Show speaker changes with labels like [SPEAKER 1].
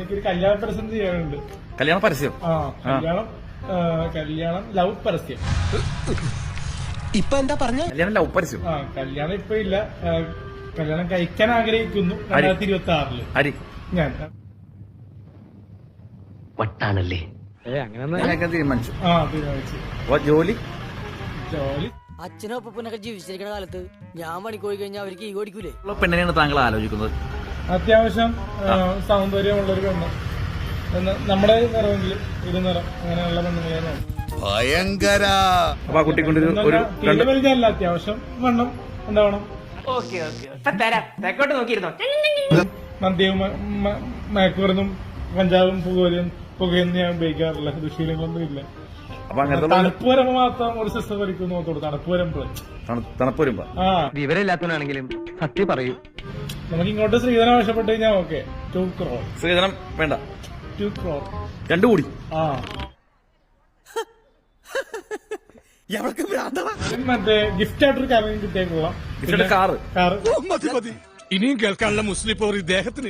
[SPEAKER 1] എനിക്കൊരു കല്യാണ പരസ്യം ചെയ്യാനുണ്ട്.
[SPEAKER 2] കല്യാണ പരസ്യം?
[SPEAKER 1] കല്യാണം ലവ് പരസ്യം.
[SPEAKER 3] ഇപ്പൊ എന്താ പറഞ്ഞ?
[SPEAKER 2] കല്യാണം ലവ് പരസ്യം?
[SPEAKER 1] കല്യാണം ഇപ്പൊ ഇല്ല. കല്യാണം കഴിക്കാൻ ആഗ്രഹിക്കുന്നു 2026
[SPEAKER 2] അരി
[SPEAKER 1] ഞാൻ.
[SPEAKER 3] വട്ടാണല്ലേ?
[SPEAKER 2] അങ്ങനെ തീരുമാനിച്ചു.
[SPEAKER 1] തീരുമാനിച്ചു.
[SPEAKER 2] ജോലി
[SPEAKER 4] അച്ഛനും അപ്പനൊക്കെ ജീവിച്ചിരിക്കുന്ന കാലത്ത് ഞാൻ പണിക്ക് പോയി കഴിഞ്ഞാൽ അവർക്ക് ഈ ഓടിക്കൂലേ?
[SPEAKER 2] പെണ്ണിനെയാണ് താങ്കൾ ആലോചിക്കുന്നത്?
[SPEAKER 1] അത്യാവശ്യം സൗന്ദര്യമുള്ളൊരു പെണ്ണ്, നമ്മുടെ നിറമെങ്കിലും ഇരുനിറം അങ്ങനെയുള്ള പെണ്ണുങ്ങളെ
[SPEAKER 5] ഭയങ്കര.
[SPEAKER 2] അപ്പൊ ആ കുട്ടിക്കൊണ്ടൊരു
[SPEAKER 1] വലിഞ്ഞല്ല, അത്യാവശ്യം വണ്ണം ഉണ്ടാവണം. മദ്യവും മയക്കുമരുന്നും കഞ്ചാവും പുകയൊന്നും ഞാൻ ഉപയോഗിക്കാറില്ല. ദുശീലങ്ങളൊന്നും ഇല്ല. തണുപ്പ് വരുമ്പോ മാത്രം ഒരു സിസ്റ്റം വരിക്കും നോക്കോളൂ. തണുപ്പ് വരുമ്പോ
[SPEAKER 3] വിവരമില്ലാത്തവനാണെങ്കിലും സത്യം പറയൂ.
[SPEAKER 1] നമുക്ക് ഇങ്ങോട്ട് ശ്രീധനം ആവശ്യപ്പെട്ട് കഴിഞ്ഞാൽ ഓക്കെ. 2 crore.
[SPEAKER 2] ശ്രീധനം വേണ്ട.
[SPEAKER 1] 2 crore
[SPEAKER 2] 2 കോടി.
[SPEAKER 1] മറ്റേ ഗിഫ്റ്റ് ആയിട്ടൊരു കാര്യം കിട്ടിയേക്കുള്ള
[SPEAKER 2] കാറ്.
[SPEAKER 5] ഇനിയും കേൾക്കാനുള്ള മുസ്ലിം പോർ ഇദ്ദേഹത്തിന്